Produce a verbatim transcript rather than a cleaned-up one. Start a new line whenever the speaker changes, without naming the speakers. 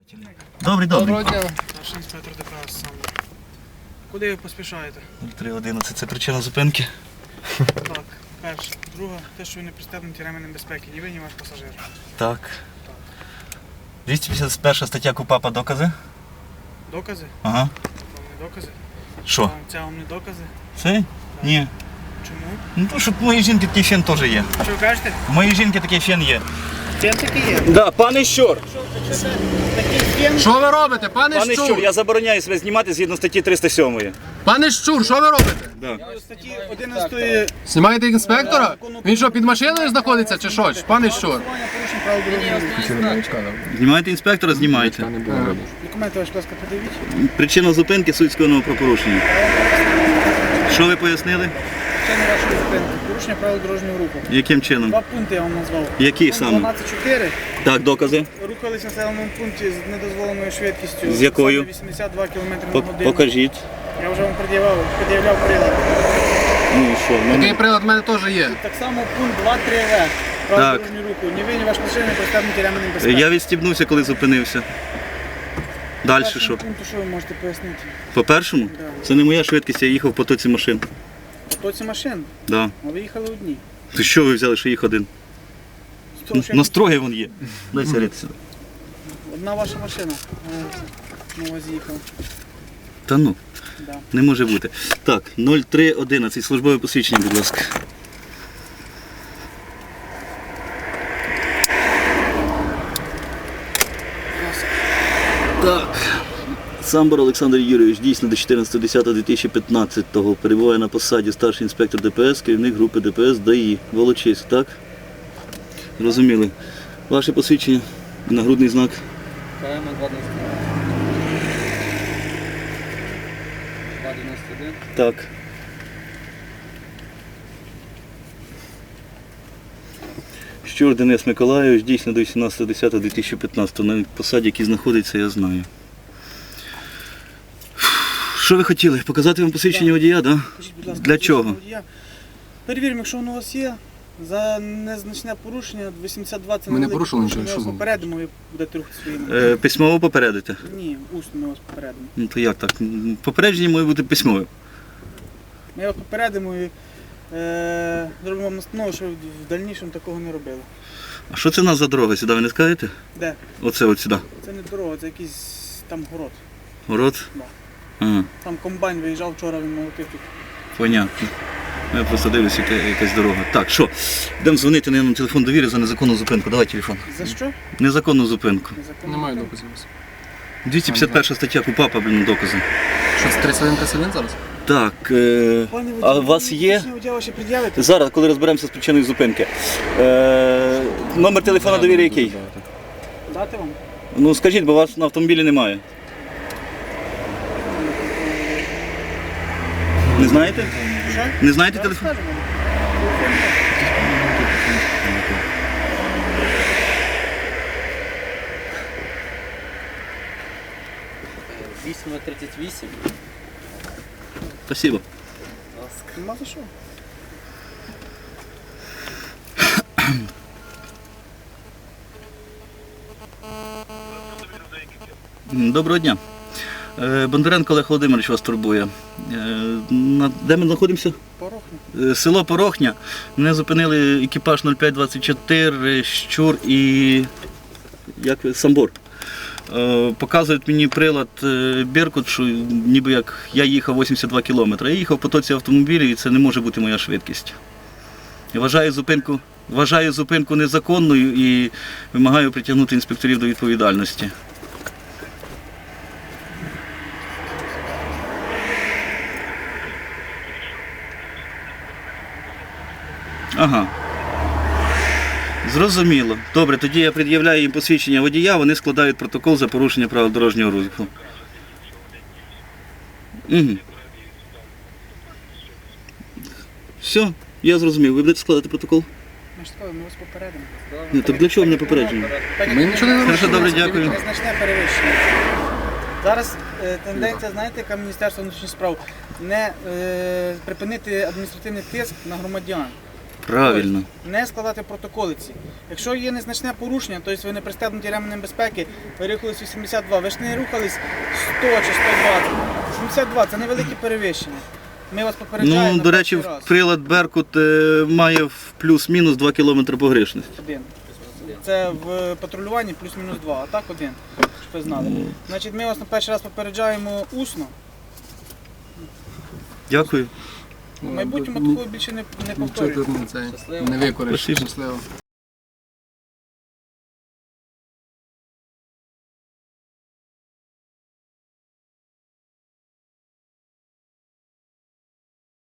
Добрий, добрий.
Доброго дня.
Старший інспектор ДПС саме. Куди ви поспішаєте?
три одинадцять, це причина зупинки.
Так, перше. Друге, те, що ви не пристебнуті ременем безпеки, ні ви, ні ваш пасажир.
Так. двісті п'ятдесят перша стаття КУпАПа докази.
Докази?
Ага.
Вам не докази?
Що?
Вам- Це вам не докази?
Це? Ні.
Чому?
Ну то, що в моїй жінки такий фен теж є.
Що ви кажете?
В моїй жінки такий фен є.
Фен такий є.
Да, пане Щур.
Такий фен.
Що ви робите, пане,
Пане
Щур?
Щур, я забороняю себе знімати згідно статті триста сьомої.
Пане Щур, що ви робите?
Да.
Статті одинадцятої
Знімаєте інспектора? Він що, під машиною знаходиться чи що? Пане Щур?
порушень правил дорожнього руху.
Знімаєте інспектора, знімайте.
Документи ваші, будь ласка, подивіть.
Причина зупинки суть скоєного правопорушення. Що ви пояснили?
Причина вашої зупинки. Порушення правил дорожнього руху.
Яким чином?
Два пункти я вам назвав.
Які
Пункт
саме?
дванадцять чотири.
Так, докази.
Рухались в населеному пункті з недозволеною швидкістю.
З якою?
Саме вісімдесят два кілометри на
Пок-
годину.
Покажіть.
Я вже вам пред'являв, пред'являв прилад.
Ну і що? в мене-
Такий прилад в мене теж є.
Так само пункт два три В. Правил
Так.
дорожнього руху. Ні ви, ні ваш пасажир не пристебнуті ременем безпеки.
Я відстібнувся, коли зупинився. Далі
Першому
що?
пункту що ви можете пояснити?
По першому?
Да.
Це не моя швидкість, я їхав в потоці машин.
Хто ці машин?
Да.
А ви їхали одні.
То що ви взяли, що їх один?
З того, що
На строгі вон є. Дай сигарети сюди.
Одна ваша машина. е, На вас їхала.
Та ну,
Да.
не може бути. Так, нуль три одинадцять, службове посвідчення, будь ласка. Так. Самбор Олександр Юрійович, дійсно до чотирнадцятого десятого дві тисячі п'ятнадцятого перебуває на посаді старший інспектор ДПС, керівник групи ДПС ДАІ. Волочиськ, так? Зрозуміли. Ваше посвідчення, нагрудний знак.
КМ два дев'яносто один.
Так. Щур Денис Миколайович, дійсно до вісімнадцятого десятого дві тисячі п'ятнадцятого. На посаді, який знаходиться, я знаю. Що ви хотіли? Показати вам посвідчення водія, так? Да?
Скажіть, будь ласка,
Для
посвідчення
чого?
водія. Перевіримо, якщо воно у вас є. За незначне порушення вісімдесят два це
Ми не
невелике
порушили
порушення,
нічого,
Ми
що
вас
з ним?
попередимо, ви будете рухати своїми.
Е, письмово попередите?
Ні, усно ми вас попередимо.
Ну то як так? Попередження має бути письмове.
Ми вас попередимо і е, зробимо вам настанову, що ви в дальнішому такого не робили.
А що це в нас за дорога? Сюди ви не скажете?
Де?
Оце от сюди.
Це не дорога, це якийсь там город.
Город?
Да.
Ага,
Там комбайн виїжджав вчора, він молотив тут.
понятно. Я просто дивлюся, яка якась дорога. Так, що? Йдемо дзвонити на телефон довіри за незаконну зупинку. Давай телефон.
За що?
Незаконну зупинку.
Незаконно.
Немає доказів. у вас.
двісті п'ятдесят перша стаття КУпАПа, блін, докази.
Що, це тридцять один тридцять один зараз?
Так, е...
Пане
а
водій,
у вас
ви
є?
посвідчення водія ваші пред'явите?
Зараз, коли розберемося з причиною зупинки. Е... Номер телефона довіри який?
Дати вам?
Ну скажіть, бо вас на автомобілі немає. Не знаєте?
Що?
Не знаєте
Зараз
телефон?
скажемо. Телефон є.
вісім тридцять вісім.
Спасибо.
Нема за що.
Доброго дня. Е, Бондаренко Олег Володимирович вас турбує. Е, на- Де ми знаходимося?
Порохне.
Е, Село Порохня. Мене зупинили екіпаж нуль п'ять двадцять чотири, Щур і як ви? Самбор. Е, Показують мені прилад е, Беркут, що ніби як я їхав вісімдесят два кілометри. Я їхав в потоці автомобілів і це не може бути моя швидкість. Я вважаю зупинку, вважаю зупинку незаконною і вимагаю притягнути інспекторів до відповідальності. Ага. Зрозуміло. Добре, тоді я пред'являю їм посвідчення водія, вони складають протокол за порушення правил дорожнього руху. Угу. Все, я зрозумів. Ви будете складати протокол?
Ми ж сказали, ми вас попередимо.
Ні, так для чого мене попередження?
Так, як
Ми нічого не
Хорошо, добре, дякую.
Незначне перевищення. Зараз е, тенденція, знаєте, яка Міністерство внутрішніх справ? Не е, припинити адміністративний тиск на громадян.
Правильно.
Тобто не складати протоколи ці. Якщо є незначне порушення, тобто ви не пристебнуті ременем безпеки, ви рухались вісімдесят два, ви ж не рухались сто чи сто двадцять. сімдесят два це невелике перевищення. Ми вас попереджаємо.
Ну,
на
до речі,
перший раз.
прилад Беркут е, має в плюс-мінус два кілометри погрешності.
Один. Це в патрулюванні плюс-мінус два, а так один, щоб ви знали. Значить, ми вас на перший раз попереджаємо усно.
Дякую.
В майбутньому такого більше не, не
Нічого
повторюємо.
тут не, цей,
Щасливо.
не викориш.
Спасибо.
Щасливо.